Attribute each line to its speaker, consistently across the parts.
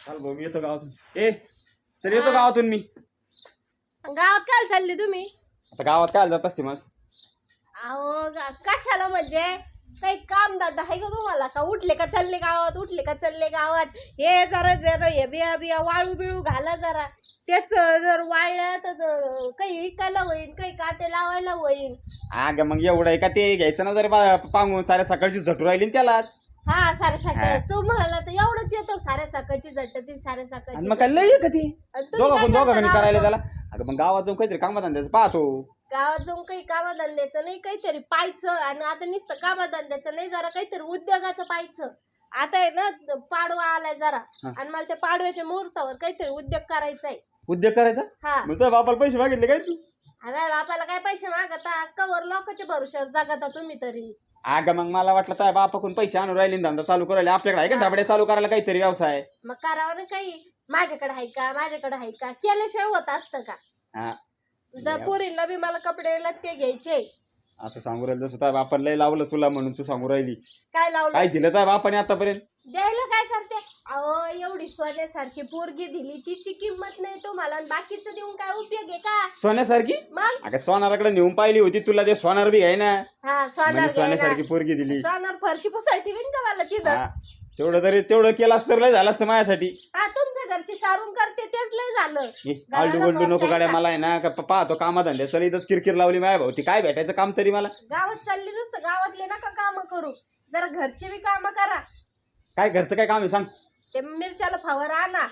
Speaker 1: चाल भाऊ मी येतो गावातून. चल येतो गावातून मी.
Speaker 2: गावात काय चालले तुम्ही?
Speaker 1: आता गावात काय जात असते मग?
Speaker 2: अहो कशाला म्हणजे काही काम दादा आहे का तुम्हाला? का उठले का चालले गावात, उठले का चालले गावात? हे जरा जरा हे बिया बिया वाळू बिळू घाला जरा. तेच जर वाळल्या तर काही विकायला होईल, काही काटे लावायला होईल.
Speaker 1: अग मग एवढं आहे का ते घ्यायचं ना जर पांगून साऱ्या सकाळची झटू राहिली त्याला.
Speaker 2: हा साऱ्या सकाळ तू म्हणाला तर एवढंच येतो साऱ्या सकाळची झटती साऱ्या सकाळची.
Speaker 1: मग काय लय का ती
Speaker 2: तुम्ही
Speaker 1: दोघं
Speaker 2: काय करता
Speaker 1: करायला
Speaker 2: गावात?
Speaker 1: त्याला. अगं मग गावात जाऊन काहीतरी कामात धंद्याचं पाहतो.
Speaker 2: गावात जाऊन काही कामधंद्याचं नाही, काहीतरी पाहायचं. आणि आता नुसतं कामधंद्याचं नाही, जरा काहीतरी उद्योगाचं पाहायचं. आता आहे ना पाडवा आलाय जरा, आणि मला त्या पाडव्याच्या मुहूर्तावर काहीतरी उद्योग करायचा आहे.
Speaker 1: उद्योग करायचा?
Speaker 2: हा
Speaker 1: मग तुझ्या बापाला पैसे मागितले काय तू?
Speaker 2: अरे बापाला काय पैसे मागता? कवर लोकांच्या भरोश्यावर जगता तुम्ही तरी.
Speaker 1: अगं मग मला वाटलं तुझ्या बापाकडून पैसे आणून राहिले धंदा चालू करायला. आपल्याकडे आहे का ढाबड्या चालू करायला काहीतरी व्यवसाय?
Speaker 2: मग करावं ना काही. माझ्याकडे आहे का, माझ्याकडे आहे का, केल्याशिवाय होत असतं का?
Speaker 1: हा
Speaker 2: जर पोरींना बी मला कपडे ते घ्यायचे.
Speaker 1: असं सांगू राहिलं जसं तुझ्या बापाला लय लावलं तुला म्हणून तू सांगू राहिली.
Speaker 2: काय लावलं?
Speaker 1: काय दिलं तुझ्या बापाने आतापर्यंत?
Speaker 2: द्यायला काय करते? अहो एवढी सोन्यासारखी पोरगी दिली, तिची किंमत नाही तुम्हाला, आणि बाकीचं देऊन काय उपयोग आहे का?
Speaker 1: सोन्यासारखी?
Speaker 2: मग
Speaker 1: अगं सोनाराकडे नेऊन पाहिली होती तुला, ते सोनार बी आहे ना.
Speaker 2: हा सोनार
Speaker 1: सोन्यासारखी पोरगी दिली.
Speaker 2: सोनार फरशी पुसायला ठेवीन का मला तिथं?
Speaker 1: हा तेवढं केलं असतं तर लय झालं असतं माझ्यासाठी.
Speaker 2: हा तुमच्या घरची सारून करते तेच लय झालं.
Speaker 1: आलडू गोल्डू नको गाड्या मला आहे ना. पाहतो कामाधंद्या चल इथंच किरकिर लावली माझ्या भाऊ. ती काय भेटायचं काम तरी मला?
Speaker 2: गावात चालली नुसतं, गावातले नका काम करू, जरा घरची बी काम करा.
Speaker 1: काय घरचं काय काम आहे सांग?
Speaker 2: ते मिरच्याला फवार आणा,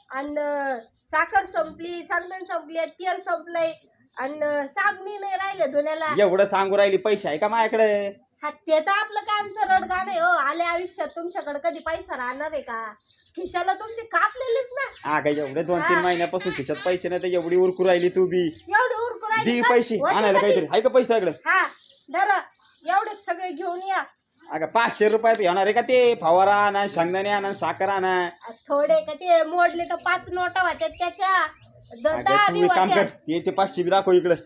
Speaker 2: आणि साखर संपली, शेंगदाणे संपली, तेल संपलंय, आणि साबणी नाही राहिले धुण्याला.
Speaker 1: एवढं सांगू राहिली, पैसे आहे का माझ्याकडे?
Speaker 2: हा ते तर आपलं कायमचं रडगाणं आहे हो. आले आयुष्यात तुमच्याकडे कधी पैसा राहणार आहे का? खिशाला तुमचे कापलेलेच ना.
Speaker 1: हा काय एवढे 2-3 महिन्यापासून खिशात पैसे नाही तर एवढी उरकू राहिली तू बी.
Speaker 2: एवढे उरकू राहिले
Speaker 1: दी
Speaker 2: का?
Speaker 1: पैसे
Speaker 2: होते
Speaker 1: आणायला
Speaker 2: कधी?
Speaker 1: काहीतरी आहे का पैसे सगळं?
Speaker 2: हा धरा एवढे सगळे घेऊन या.
Speaker 1: अगं 500 रुपयात येणार आहे का ते? फवारा आणा, शेंगदाणे आणा, साखर आणा.
Speaker 2: थोडे का ते मोडले तर 5 नोटा होत्या त्याच्या.
Speaker 1: अगं
Speaker 2: दहा
Speaker 1: तू
Speaker 2: बी
Speaker 1: एक काम
Speaker 2: होत्या.
Speaker 1: कर, ते 500 बी दाखव इकडं.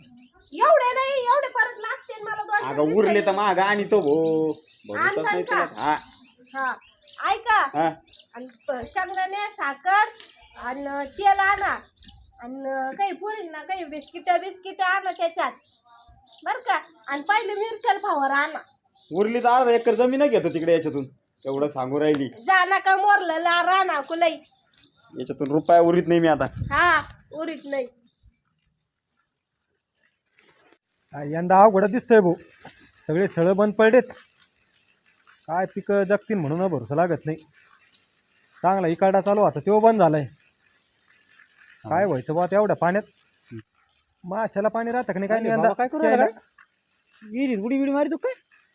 Speaker 2: एवढे नाही, एवढे परत लागते मला दोन
Speaker 1: अगं उरले तर माग आणि तो
Speaker 2: आणताल
Speaker 1: नाही
Speaker 2: का?
Speaker 1: तुला. हा
Speaker 2: हा ऐका,
Speaker 1: हा
Speaker 2: आणि शेंगदाणे साखर आणि तेल आणा, आणि काही पुरींना काही बिस्किट आणा त्याच्यात बर का. आणि पहिले मिरच्याला फवार आणा.
Speaker 1: उरली तर 1/2 एकर जमीन घेतो तिकडे याच्यातून. एवढं सांगू राहिली.
Speaker 2: जा नका मोरलं राणा कुलाई.
Speaker 1: याच्यातून रुपया उरीत नाही मी आता.
Speaker 2: हा उरीत नाही.
Speaker 3: यंदा अवघड दिसतंय भाऊ. सगळे सळं बंद पडलेत. काय पिकं जगतील म्हणून भरोसा लागत नाही. चांगला इकाडा चालू आता तो बंद झालाय. काय व्हायचं बा एवढ्या पाण्यात? माशाला पाणी राहतं का नाही काय नाही यंदा?
Speaker 1: काय करू
Speaker 3: प्यायला?
Speaker 1: विहिरीत उडी मारी तू काय?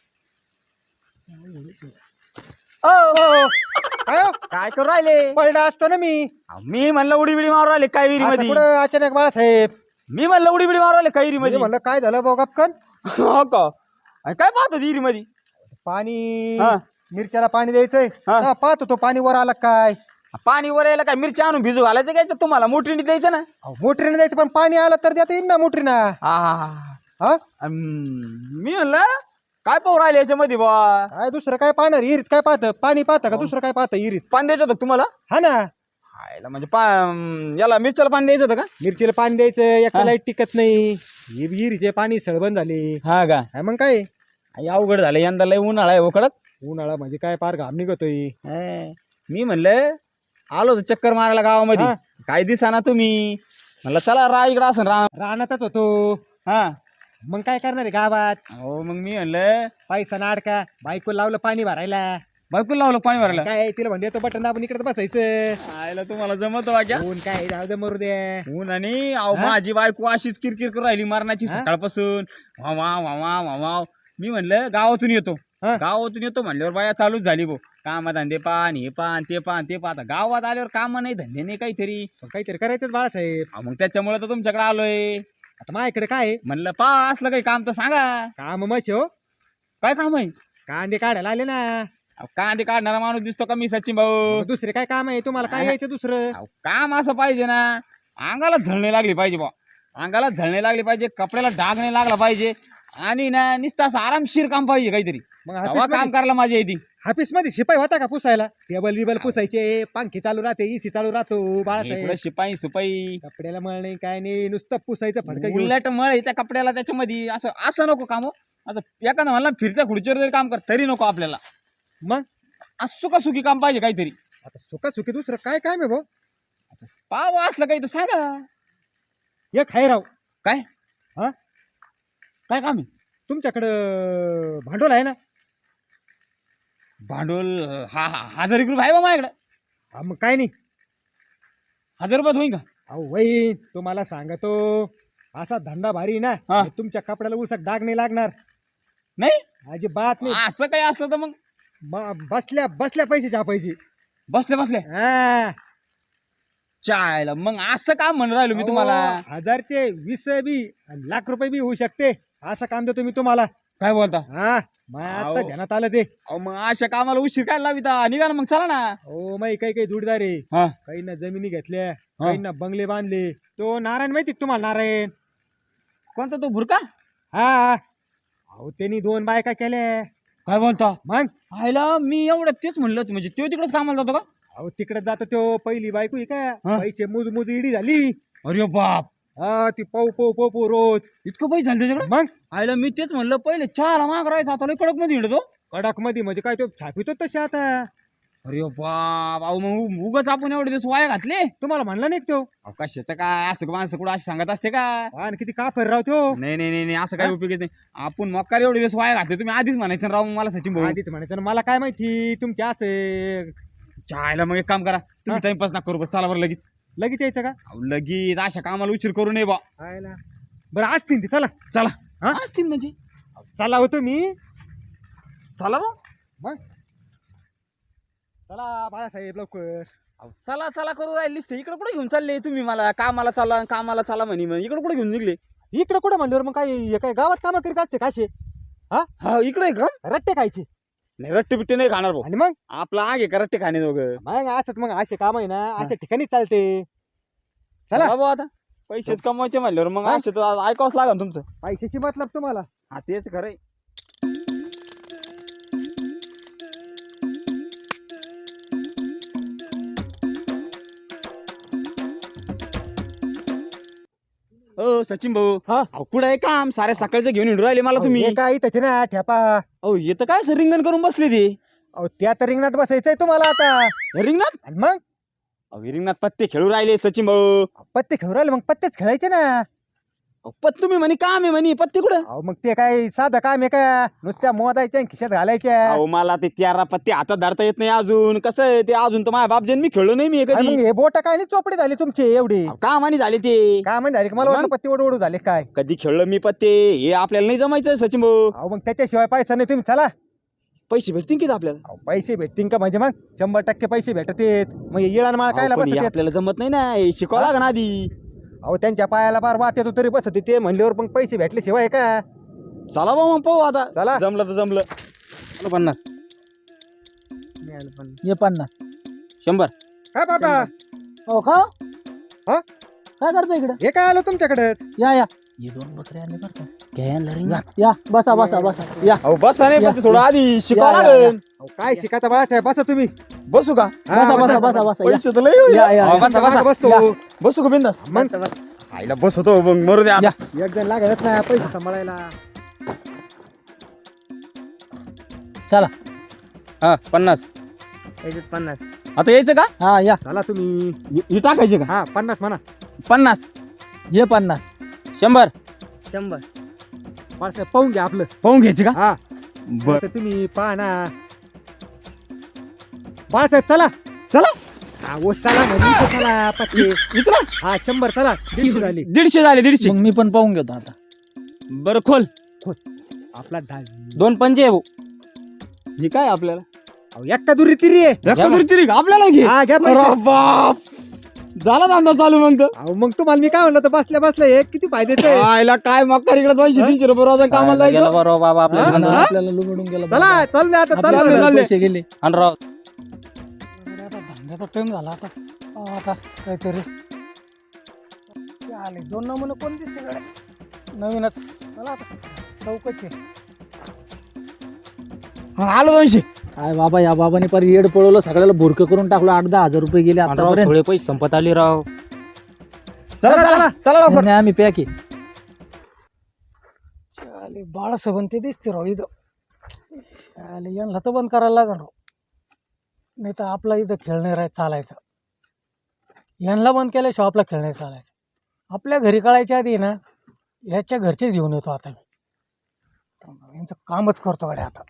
Speaker 3: काय हो?
Speaker 1: काय करू राहिले?
Speaker 3: पडलं असतो ना मी.
Speaker 1: मी म्हणलं उडी मारू राहिले काय विहिरी
Speaker 3: असं
Speaker 1: मध्ये?
Speaker 3: कुठं अचानक बाळासाहेब?
Speaker 1: मी म्हणलं उडी मारू राहिले काय विहिरी मध्ये?
Speaker 3: म्हणलं काय झालं भाऊ गपकन?
Speaker 1: हो का? आणि काय पाहतो विहिरी मध्ये?
Speaker 3: पाणी
Speaker 1: हा.
Speaker 3: मिरच्याला पाणी द्यायचंय.
Speaker 1: हा.
Speaker 3: हा, पाहतो तो पाणी वर आला काय.
Speaker 1: पाणी वर यायला काय मिरची आणून भिजू घालायचं काय तुम्हाला? मोटरीने द्यायचं ना.
Speaker 3: अहो, मोटरीने द्यायचं पण पाणी आलं तर देता येईल ना मोटरीना. हा
Speaker 1: मी म्हणलं काय पाहू राहिले याच्यामध्ये बा?
Speaker 3: काय दुसरं काय पाहणार? इरीत काय पाहतं? पाणी पाहतं का दुसरं काय पाहतं इरीत?
Speaker 1: पाणी द्यायचं होतं का तुम्हाला?
Speaker 3: हा ना.
Speaker 1: हायला म्हणजे याला मिरच्याला पाणी द्यायचं होतं का?
Speaker 3: मिरचीला पाणी द्यायचं, एका लाईट टिकत नाही. ही विहिरीचे पाणी सळबंद झाले.
Speaker 1: हा का?
Speaker 3: काय मग काय
Speaker 1: अवघड झालं यंदा लय उन्हाळा आहे कडक.
Speaker 3: उन्हाळा म्हणजे काय पार घाम निघतोय.
Speaker 1: मी म्हणलं आलो होतो चक्कर मारायला गावामध्ये.
Speaker 3: हा.
Speaker 1: काय दिसाना तुम्ही? म्हणलं चला इकडं असं
Speaker 3: रानातच होतो.
Speaker 1: हा
Speaker 3: मग काय करणार आहे गावात?
Speaker 1: हो मग मी म्हणलं
Speaker 3: पैसा नाडका बायको लावलं पाणी भरायला.
Speaker 1: बायको लावलं पाणी भरायला.
Speaker 3: काय तिला म्हणले तो बटन दाबून इकडे बसायचं.
Speaker 1: आयला तुम्हाला जमत वाग्या
Speaker 3: ऊन काय जाऊ दे मरू दे.
Speaker 1: ऊन आणि माझी बायको अशीच किरकिर करू राहिली मरणाची सकाळपासून. वाव मी म्हणलं गावातून येतो.
Speaker 3: हा.
Speaker 1: गावातून येतो म्हणल्यावर बाया चालूच झाली भाऊ. काम धंदे पान हे पान ते पान ते पाहता. गावात आल्यावर काम नाही धंदे नाही काहीतरी.
Speaker 3: पण काहीतरी करायचंच बाळासाहेब.
Speaker 1: मग त्याच्यामुळे तर तुमच्याकडे आलोय.
Speaker 3: आता माझ्याकडे काय आहे?
Speaker 1: म्हणलं असलं काही काम तर सांगा.
Speaker 3: काम मश हो.
Speaker 1: काय काम आहे?
Speaker 3: कांदे काढायला आले ना.
Speaker 1: अहो, कांदे काढणारा माणूस दिसतो का मी सचिन भाऊ?
Speaker 3: मग दुसरे काय काम आहे तुम्हाला? काय यायचं दुसरं?
Speaker 1: अहो, काम असं पाहिजे ना, अंगाला झळणे लागली पाहिजे बा. अंगाला झळणे लागली पाहिजे, कपड्याला डाग नाही लागला पाहिजे, आणि ना नुसतं असं आरामशीर काम पाहिजे काहीतरी.
Speaker 3: मग
Speaker 1: तेव्हा काम करायला माझी येते
Speaker 3: ऑफिस मध्ये शिपाई होता का पुसायला टेबल बिबल पुसायचे पंखे चालू राहते इसी चालू राहतो बाळासाहेब
Speaker 1: इकडं शिपाई सुपाई
Speaker 3: कपड्याला मळ नाही काय नाही नुसतं पुसायचं फडकं घेऊन
Speaker 1: उलट मळ त्या कपड्याला त्याच्यामध्ये असं असं नको काम हो. असं एखादं म्हणला फिरत्या खुर्चीवर जरी काम कर तरी नको आपल्याला
Speaker 3: मग
Speaker 1: असं सुखी काम पाहिजे काहीतरी
Speaker 3: आता सुखी दुसरं काय काय मी भाऊ
Speaker 1: पाव असलं काही तर सांगा
Speaker 3: एक हाय राव
Speaker 1: काय
Speaker 3: हा
Speaker 1: काय काम आहे
Speaker 3: तुमच्याकडं भांडवल आहे ना
Speaker 1: भांडवल 1000 रुपये आहे बा माझ्याकडे
Speaker 3: हा मग काय नाही
Speaker 1: 1000 रुपयात होईन का
Speaker 3: अहो वही तुम्हाला सांगतो असा धंदा भारी ना
Speaker 1: हा.
Speaker 3: तुमच्या कपड्याला उसक डाग नाही लागणार
Speaker 1: नाही
Speaker 3: अजिबात नाही
Speaker 1: असं काही असलं तर मग
Speaker 3: बसल्या बसल्या पैसे छापायचे
Speaker 1: बसले
Speaker 3: हा
Speaker 1: चायला मग असं काम म्हणून राहिलो मी तुम्हाला
Speaker 3: अहो, 1000चे 20 बी आणि लाख रुपये बी होऊ शकते असं काम देतो मी तुम्हाला
Speaker 1: काय बोलता
Speaker 3: हा मग आता
Speaker 1: अहो.
Speaker 3: ध्यानात आलं ते
Speaker 1: अहो मग अशा कामाला उशीर काय लाविता निघा ना मग चला ना
Speaker 3: हो मग काही जोडदार आहे
Speaker 1: हा
Speaker 3: काही ना जमिनी घेतल्या काही ना बंगले बांधले तो नारायण माहिती का तुम्हाला नारायण
Speaker 1: कोणता तो भुरका
Speaker 3: हा अहो त्यांनी 2 बायका केल्या
Speaker 1: काय बोलता
Speaker 3: मग
Speaker 1: आयला मी एवढं तेच म्हणलं होतं, म्हणजे तो तिकडेच कामाला जातो का
Speaker 3: अहो तिकडे जातो तो पहिली बायको आहे का
Speaker 1: हा.
Speaker 3: पैसे मोज इडी झाली
Speaker 1: अरे बाप
Speaker 3: हा ती पो रोज
Speaker 1: इतकं पैसे झाले त्याच्याकडे
Speaker 3: मग
Speaker 1: आयला मी तेच म्हणलं पहिले चहाला माग राहायचा आता लय कडक मध्ये हिंडतो
Speaker 3: कडक मध्ये म्हणजे काय तो छापितो तसे आता
Speaker 1: अरे बाप अहो मग उगाच आपण एवढे दिवस वाया घातले
Speaker 3: तुम्हाला म्हणलं नाही का तो
Speaker 1: कशाचं काय असं माणसं कुठं असं सांगत असते का
Speaker 3: आणि किती काफर राव तो
Speaker 1: नाही नाही नाही नाही, असं काही उपयोगच नाही आपण मक्कार एवढे दिवस वाया घातले तुम्ही आधीच म्हणायचं ना राव मला सचिन भाऊ
Speaker 3: आधीच म्हणायचं ना, मला काय माहिती तुमच्या असे
Speaker 1: चायला मग एक काम करा तुम्ही टाइमपास ना करू बरं चला बरं लगेच
Speaker 3: लगेच यायचं का
Speaker 1: अहो, लगेच अशा कामाला उशीर करू नये बा
Speaker 3: आयला बरं असतील ते चला
Speaker 1: चला
Speaker 3: हा?
Speaker 1: असतील म्हणजे
Speaker 3: चला होतो मी
Speaker 1: चला बा
Speaker 3: मग चला बाळासाहेब लवकर
Speaker 1: अहो, चला चला करू राहिलीस ते इकडे कुठे घेऊन चालले तुम्ही मला कामाला चला म्हणे मग इकडे कुठे घेऊन निघले
Speaker 3: इकडे कुठं म्हणल्यावर मग काय हे काय गावात कामं करीत असते काशे
Speaker 1: हा इकडे आहे का
Speaker 3: रट्टे खायचे
Speaker 1: नाही रट्टे बिट्टे नाही खाणार भाऊ
Speaker 3: आणि मग
Speaker 1: आपला आग आहे का रट्टे खाणे दोघं
Speaker 3: मग असंच मग असे काम आहे ना अशा ठिकाणी चालते
Speaker 1: चला
Speaker 3: चला
Speaker 1: भाऊ आता पैसेच कमवायचे म्हणल्यावर मग
Speaker 3: हा?
Speaker 1: असे तर ऐकावंच लागेल तुमचं
Speaker 3: पैशाची मतलब तुम्हाला
Speaker 1: हा तेच खरंय ओ सचिन भाऊ
Speaker 3: हा?
Speaker 1: अहो कुठं आहे काम साऱ्या सकाळचं घेऊन हिंडू राहिले मला तुम्ही
Speaker 3: हे काय त्याचे ना ठेपा
Speaker 1: अहो येतं काय सर रिंगण करून बसले ते
Speaker 3: अहो त्या तर रिंगणात बसायचंय तुम्हाला आता
Speaker 1: हे रिंगणात
Speaker 3: आणि मग
Speaker 1: अहो रिंगणात पत्ते खेळू राहिले सचिन भाऊ
Speaker 3: पत्ते खेळू राहिले मग पत्तेच खेळायचे ना
Speaker 1: अहो, तुम्ही म्हणे काम आहे म्हणे पत्ते कुठं
Speaker 3: अहो मग ते काय साधं काम आहे का नुसत्या मोदायच्या आणि खिशात घालायच्या
Speaker 1: अहो मला ते 13 पत्ते हातात धरता येत नाही अजून कसं आहे ते अजून तर माझ्या बाप मी खेळलो नाही मी हे
Speaker 3: आणि
Speaker 1: कधी
Speaker 3: मग हे बोट काय नाही चोपडी झाली तुमची एवढी
Speaker 1: अहो, कामाने झाले ते
Speaker 3: काय म्हणजे झाली का मला वाटलं
Speaker 1: मग?
Speaker 3: पत्ते ओढू झाले काय
Speaker 1: कधी खेळलो मी पत्ते हे आपल्याला नाही जमायचं सचिन भाऊ
Speaker 3: अहो मग त्याच्याशिवाय पैसा नाही तुम्ही चला
Speaker 1: पैसे भेटतील किती आपल्याला
Speaker 3: अहो, पैसे भेटतील का म्हणजे मग 100% पैसे भेटतेत मग येळान माळ काय
Speaker 1: अहो, पण हे
Speaker 3: बसत
Speaker 1: आपल्याला जमत नाही ना हे शिकावं लागेल ना आधी
Speaker 3: अहो त्यांच्या पायाला बार वाट येतो तरी बसत ते म्हणल्यावर मग पैसे भेटल्याशिवाय का
Speaker 1: चला बा मग पाहू आता
Speaker 3: चला.
Speaker 1: जमलं तर जमलं 50
Speaker 4: ये 50
Speaker 1: 100
Speaker 3: काय बाबा
Speaker 4: हो का
Speaker 3: हा?
Speaker 4: काय करता इकडे
Speaker 3: हे काय आलं तुमच्याकडेच
Speaker 4: या ये 2 बकरे आले बरं का या बसा बसा बसा या
Speaker 1: अहो बसा नाही पण ते थोडं आधी शिकावं
Speaker 4: या,
Speaker 1: लागेल
Speaker 3: अहो, काय शिकायचा बाळासाहेब बसा तुम्ही
Speaker 1: बसू का
Speaker 3: हा,
Speaker 4: बसा बसा बसा या.
Speaker 1: पैसे तर लय होईल.
Speaker 4: या, या,
Speaker 1: अहो,
Speaker 4: या.
Speaker 1: बसा बसा
Speaker 3: बसतो
Speaker 4: या.
Speaker 1: बसू का बिंदास
Speaker 3: मग
Speaker 1: आईला बसतो मग मरू द्या
Speaker 4: या.
Speaker 3: एक जण लागत नाही पैसे सांभाळायला
Speaker 4: चला
Speaker 1: हा 50 आता यायचं का
Speaker 4: हा या
Speaker 3: चला तुम्ही
Speaker 1: हे टाकायचे का
Speaker 3: हा 50 म्हणा
Speaker 1: 50
Speaker 4: ये 50
Speaker 1: 100
Speaker 3: बाळासाहेब पाहून घ्या आपलं
Speaker 1: पाहून घ्यायचे का
Speaker 3: हा
Speaker 1: बर
Speaker 3: तर तुम्ही पहा ना बाळासाहेब चला
Speaker 1: चला
Speaker 3: हा ओ चला म्हणजे इथं चला पत्ते
Speaker 1: इकडं
Speaker 3: हा 100 चला 150 झाली
Speaker 1: 150 झाले 150
Speaker 4: मग मी पण पाहून घेतो आता
Speaker 1: बरं खोल
Speaker 3: आपला ढाल
Speaker 4: 2 पंचे आहे भाऊ
Speaker 1: हे काय आपल्याला
Speaker 3: अहो, एक्का दुरी तिरी आहे
Speaker 1: एका आपल्याला घे
Speaker 3: हा घ्या पैसे.
Speaker 1: अरे बाप झाला धंदा चालू मग तर.
Speaker 3: अहो मग तुम्हाला मी काय म्हणलं तर बसल्या बसल्या हे किती फायद्याचे
Speaker 1: आयला काय मक्का इकडे 200-300 रुपये रोज कामाला
Speaker 4: गेला
Speaker 1: जायचं
Speaker 4: बरोबर बाबा आपल्या
Speaker 3: हा?
Speaker 4: धनाला
Speaker 3: हा?
Speaker 4: आपल्याला लुबडून गेला
Speaker 3: चला चालले आता
Speaker 4: आपल्याला
Speaker 3: चालले
Speaker 1: चालले.
Speaker 4: पैसे गेले आणि राव धंद्याचा टाइम झाला आता आता काहीतरी आले 2 नमुने कोण दिसते कडे नवीनच चला आता चौकच आहे
Speaker 1: आलो 200.
Speaker 4: काय बाबा या बाबाने पर येड पळवलं सगळ्याला भुरकं करून टाकलं 8-10 हजार रुपये गेले आतापर्यंत.
Speaker 5: थोडे पैसे संपत आले राव.
Speaker 1: चला चला चला लवकर.
Speaker 4: नाही, आम्ही पॅक आहे.
Speaker 3: चाले बाळासाहेब ते दिसते राव इथं. चाले यांना तर बंद करायला लागेल राव, नाही तर आपला इथं खेळ नाही राहायचं चालायचं. यांना बंद केल्याशिवाय आपला खेळ नाही चालायचं. आपल्या घरी कळायच्या आधी ना याच्या घरचेच घेऊन येतो आता मी. यांचं कामच करतो गाड्या आता.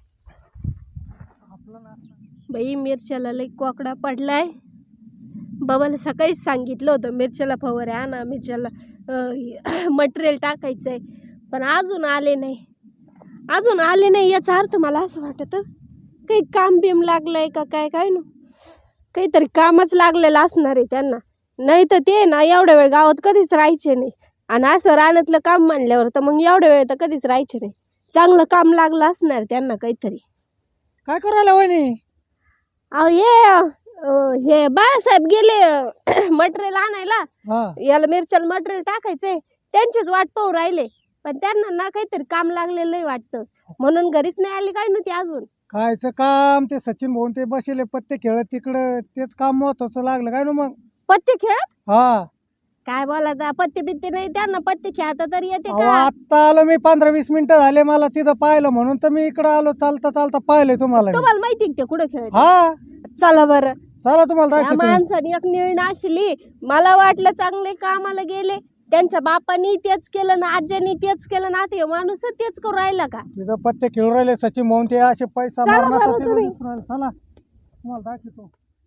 Speaker 2: बाई मिरच्याला लई कोकडा पडलाय. बाबाला सकाळीच सांगितलं होतं मिरच्याला फवारे आणा, मिरच्याला मटेरियल टाकायचंय, पण अजून आले नाही. याचा अर्थ मला असं वाटतं काही काम बिम लागलंय का काय काय नो, काहीतरी कामच लागलेलं असणार आहे त्यांना. नाही तर ते ना एवढ्या वेळ गावात कधीच राहायचे नाही, आणि असं रानातलं काम म्हणल्यावर तर मग एवढ्या वेळ तर कधीच राहायचे नाही. चांगलं काम लागलं असणार त्यांना काहीतरी.
Speaker 3: काय करायला वहिनी?
Speaker 2: अहो हे बाळासाहेब गेले मटेरियल आणायला.
Speaker 3: हा
Speaker 2: याला मिरच्याला मटेरियल टाकायचंय, त्यांचीच वाट पाहू राहिले, पण त्यांना ना काहीतरी काम लागलेलं वाटतं, म्हणून घरीच नाही आले काय नव्हते अजून.
Speaker 3: कायचं काम? ते सचिन भाऊन ते बसले पत्ते खेळत तिकडं, तेच काम महत्वाचं लागलं काय ना मग.
Speaker 2: पत्ते खेळत
Speaker 3: हा
Speaker 2: काय बोलायचं, पत्ते बित्ते नाही त्यांना, पत्ते खेळता तरी येते
Speaker 3: अहो,
Speaker 2: का?
Speaker 3: आत्ता आलो मी 15-20 मिनिटं झाले मला तिथं पाहिलं, म्हणून तर मी इकडं आलो. चालता चालता पाहिलंय तुम्हाला मी.
Speaker 2: तुम्हाला माहिती आहे का ते कुठे खेळत?
Speaker 3: हा
Speaker 2: चला बरं.
Speaker 3: चला तुम्हाला
Speaker 2: त्या
Speaker 3: दाखवतो मी.
Speaker 2: माणसाने एक निर्णय नाशली. मला वाटलं चांगले कामाला गेले, त्यांच्या बापानी तेच केलं ना, आज्यानी तेच केलं ना, ते माणूस तेच करू राहिला का?
Speaker 3: तिथं पत्ते खेळून राहिले सचिन भाऊन ते असे पैसा
Speaker 2: चला
Speaker 3: मारण्याचा
Speaker 2: बरं
Speaker 3: तिथं
Speaker 2: तुम्ही.
Speaker 3: दिसून राहिलं. चला तुम्हाला दाखवतो.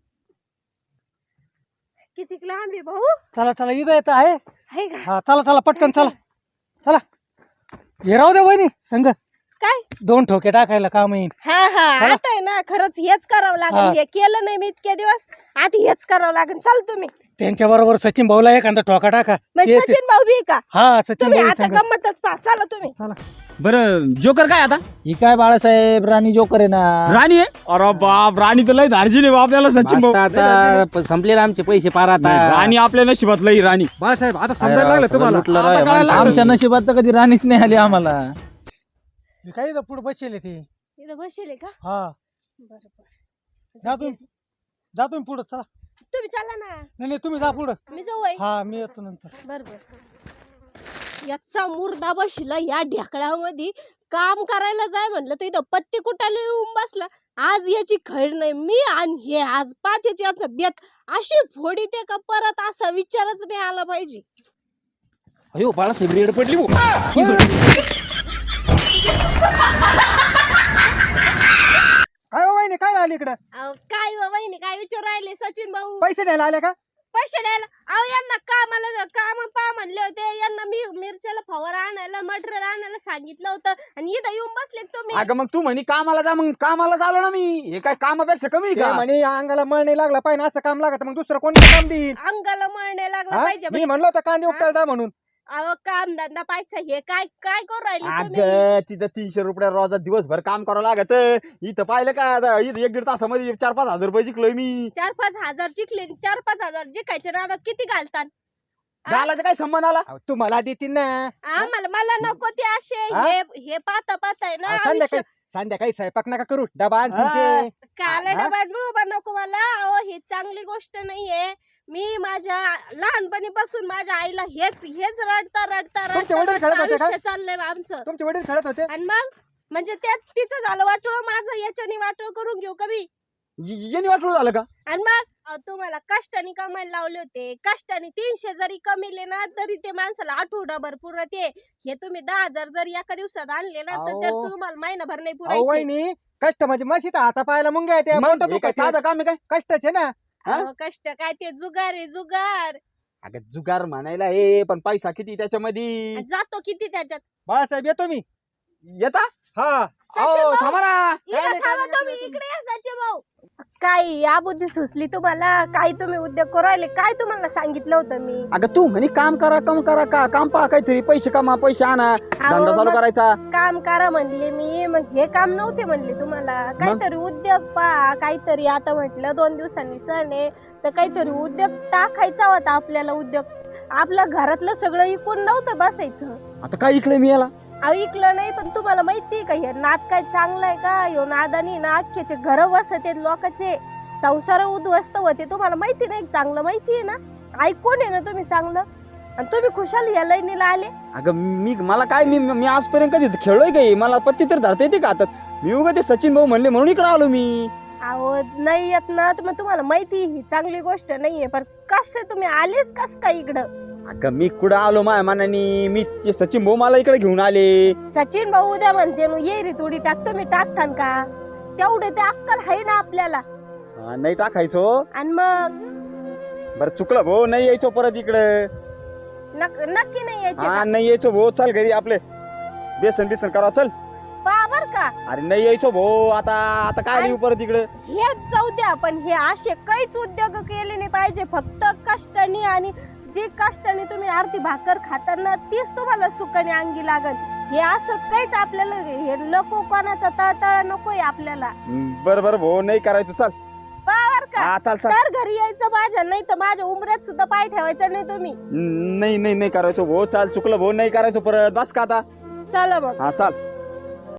Speaker 2: किती लांब आहे भाऊ?
Speaker 3: चला चला इथं येतं आहे.
Speaker 2: आहे का?
Speaker 3: हा चला चला पटकन चला चला. हे राहू दे वहिनी संग
Speaker 2: काय?
Speaker 3: 2 ठोके टाकायला काम येईल.
Speaker 2: हा आता आहे ना, खरंच हेच करावं
Speaker 3: हा.
Speaker 2: लागेल. हे केलं नाही मी इतके दिवस, आता हेच करावं लागेल. चल तुम्ही.
Speaker 3: त्यांच्या बरोबर सचिन भाऊला एखादा ठोका टाका.
Speaker 2: मग
Speaker 3: ते-
Speaker 2: सचिन भाऊ बी का?
Speaker 3: हा सचिन
Speaker 2: तुम्ही
Speaker 3: भाऊ
Speaker 2: आता
Speaker 3: संग.
Speaker 2: गंमतच पहा. चला तुम्ही.
Speaker 3: चला
Speaker 1: बरं जोकर काय आता?
Speaker 4: ही काय बाळासाहेब राणी जोकर आहे ना.
Speaker 1: राणी आहे? अरे बाप, राणी तर लय धारजील आहे आपल्याला सचिन भाऊ.
Speaker 5: आता संपलेले आमचे पैसे पार आता.
Speaker 1: नाही, राणी आपल्या नशिबात लई राणी.
Speaker 3: बाळासाहेब आता समजायला लागलं तुम्हाला.
Speaker 5: लुटलं
Speaker 1: आता
Speaker 5: राव या
Speaker 1: कळायला
Speaker 5: माणसाला.
Speaker 1: लागलं.
Speaker 4: आमच्या नशिबात तर कधी राणीच नाही आली आम्हाला.
Speaker 3: हे काय इथं पुढे बसले ते.
Speaker 2: इथं बसले का?
Speaker 3: हा
Speaker 2: बरोबर.
Speaker 3: जा तुम्ही पुढे चला.
Speaker 2: तुम्ही चला ना.
Speaker 3: नाही तुम्ही जा पुढं.
Speaker 2: मी जाऊ आहे.
Speaker 3: हा मी येतो नंतर.
Speaker 2: बरोबर. याचा मुर्दा बसला या ढेकळामध्ये. काम करायला जाय म्हणलं तर इथं पत्ते कुटाले येऊन बसला. आज याची खैर नाही. मी आणि हे आज पाहतेच याचा बेत अशी फोडी ते का परत असा विचारच नाही आला पाहिजे.
Speaker 5: अयो बाळासाहेब रेड पडली हो.
Speaker 3: काय हो वहिनी काय आली इकडं?
Speaker 2: अहो, काय व वहिनी काय विचार राहिले सचिन भाऊ?
Speaker 3: पैसे द्यायला आले का?
Speaker 2: पैसे द्यायला? अहो यांना काम पा म्हणले होते. यांना मी मिरच्याला फवारा आणायला मटेरियल आणायला सांगितलं होतं, आणि इथं येऊन बसले का तुम्ही?
Speaker 1: अगं मग तू म्हणी कामाला जा, मग कामाला चालू ना मी. हे काय कामापेक्षा कमी आहे
Speaker 3: ते
Speaker 1: का?
Speaker 3: म्हणे अंगाला मळ नाही लागला पाहिजे असं काम लागत, मग दुसरं कोणतं काम देईल?
Speaker 2: अंगाला मळ नाही लागला
Speaker 3: हा?
Speaker 2: पाहिजे
Speaker 3: मी म्हणलो होतं कांदे उपटायला म्हणून.
Speaker 2: अहो काम धंदा पाहिजे. हे काय काय करू राहिले तुम्ही?
Speaker 1: अगं तिथं 300 रुपये रोजात दिवसभर काम करावं लागत. इथं पाहिलं का आता? इथं 1-1.5 तासामध्ये 4-5 हजार रुपये जिंकलोय मी.
Speaker 2: 4-5 हजार जिंकले. 4-5 हजार जिंकायच्या नादात किती घालतात?
Speaker 1: घालायचा काय संबंध आला?
Speaker 3: अहो, तुम्हाला देतील ना.
Speaker 2: मला नको ते असे.
Speaker 3: हा?
Speaker 2: हे पाहता आहे ना
Speaker 3: अहो,
Speaker 2: आयुष्य.
Speaker 3: संध्याकाळी स्वयंपाक नका करू, डबा आणतील ते.
Speaker 2: काला
Speaker 3: हा?
Speaker 2: डबा डुबा नको मला. अहो हे चांगली गोष्ट नाहीये. मी माझ्या लहानपणीपासून माझ्या आईला हेच रडता
Speaker 3: तुमचे वडील खेळत होते का?
Speaker 2: आयुष्य चाललंय आमचं.
Speaker 3: तुमचे वडील खेळत होते.
Speaker 2: आणि मग म्हणजे त्यात तिचं झालं वाटोळ, माझं याच्याने वाटोळ करून घेऊ कमी.
Speaker 1: येणे वाटलं झालं का?
Speaker 2: आणि मग तुम्हाला कष्टाने कमायला लावले होते. कष्टाने 300 जरी कमीले ना तरी ते माणसाला आठवडाभर पुरत हे तुम्ही 10,000 जरी एका दिवसात आणले ना तर
Speaker 3: अहो.
Speaker 2: तुम्हाला महिनाभर नाही
Speaker 3: अहो,
Speaker 2: पुरायचे.
Speaker 3: वहिनी कष्ट म्हणजे मशीत हाता पायाला मुंग्या येते.
Speaker 1: मग
Speaker 3: बोटं
Speaker 1: हे काय
Speaker 3: दुखायचे.
Speaker 1: साधं काम आहे काय?
Speaker 3: कष्टाचे ना.
Speaker 1: हा?
Speaker 2: अहो, कष्ट काय ते जुगार आहे जुगार.
Speaker 1: अगं जुगार म्हणायला हे, पण पैसा किती त्याच्यामध्ये?
Speaker 2: आणि जातो किती त्याच्यात.
Speaker 3: बाळासाहेब येतो मी.
Speaker 1: येता?
Speaker 3: हा
Speaker 2: सचिन
Speaker 1: अहो
Speaker 2: भाऊ,
Speaker 1: थांबा ना.
Speaker 2: इकडे
Speaker 3: नाही,
Speaker 2: थांबा
Speaker 3: काय
Speaker 2: तुम्ही.
Speaker 3: नाही,
Speaker 2: इकडे या सचिन भाऊ. काय या बुद्धी सुचली तुम्हाला? काय तुम्ही उद्योग करू राहिले? काय तुम्हाला सांगितलं होतं मी?
Speaker 1: अगं तू म्हणे काम करा का काम पहा काहीतरी, पैसे कमा, पैसे आणा, धंदा चालू
Speaker 2: मग
Speaker 1: करायचा.
Speaker 2: काम करा म्हणले मी. मग हे काम नव्हते म्हणले तुम्हाला? काहीतरी उद्योग पहा काहीतरी. आता म्हटलं 2 दिवसांनी सण आहे तर काहीतरी उद्योग टाकायचा होता आपल्याला. उद्योग आपल्या घरातलं सगळं इकून नव्हतं बसायचं.
Speaker 1: आता काय ऐकलंय मी याला?
Speaker 2: ऐकलं नाही, पण तुम्हाला माहिती का हे नाद काय चांगला आहे का? ह्यो नादानी ना अख्ख्याचे घर वसते लोकांचे, संसार उद्ध्वस्त होते. तुम्हाला माहिती नाही? चांगलं माहिती आहे ना, ऐकून आहे ना तुम्ही चांगलं, आणि तुम्ही खुशाल या लाईनीला आले.
Speaker 1: अगं मला काय, मी आजपर्यंत कधी खेळलोय काही, मला पत्ती तर धरता येते का हातात? मी उगा ते सचिन भाऊ म्हणले म्हणून इकडे आलो मी.
Speaker 2: अहो नाही येत ना, तर मग तुम्हाला माहिती ही चांगली गोष्ट नाहीये, पण कसे तुम्ही आलेच कस काय इकडं?
Speaker 1: अगं मी कुठं आलो माझ्या मनाने, मी ते सचिन भाऊ मला इकडे घेऊन आले.
Speaker 2: सचिन भाऊ उद्या म्हणते ये रे थोडी टाकतो, मी टाकतान का? तेवढे ते अक्कल आहे ना आपल्याला.
Speaker 1: नाही टाकायचो.
Speaker 2: आणि मग
Speaker 1: बरं चुकलं भाऊ, नाही यायचो परत इकडे.
Speaker 2: नक्की नाही यायचे
Speaker 1: हा
Speaker 2: का?
Speaker 1: नाही यायचो भाऊ, चल घरी आपले बेसन करा चल.
Speaker 2: बर का?
Speaker 1: अरे नाही यायचो भाऊ, आता काय येऊ परत इकडे.
Speaker 2: हेच जाऊ द्या, पण हे असे काहीच उद्योग केले नाही पाहिजे. फक्त कष्टाने, आणि जे कष्टाने तुम्ही आरती भाकर खाताना तीच तुम्हाला सुखाने अंगी लागल. हे असं काहीच आपल्याला हे नको, कोणाचा तळतळ नकोय आपल्याला.
Speaker 1: बरं भाऊ, नाही करायचो चल.
Speaker 2: बर का?
Speaker 1: हा चल चल.
Speaker 2: तर घरी यायचं माझ्या, नाही तर माझ्या उमऱ्यात सुद्धा पाय ठेवायचा नाही तुम्ही.
Speaker 1: नाही करायचो भाऊ, चाल चुकलं भाऊ, नाही करायचो परत, बस का आता.
Speaker 2: चला मग.
Speaker 1: हा चाल.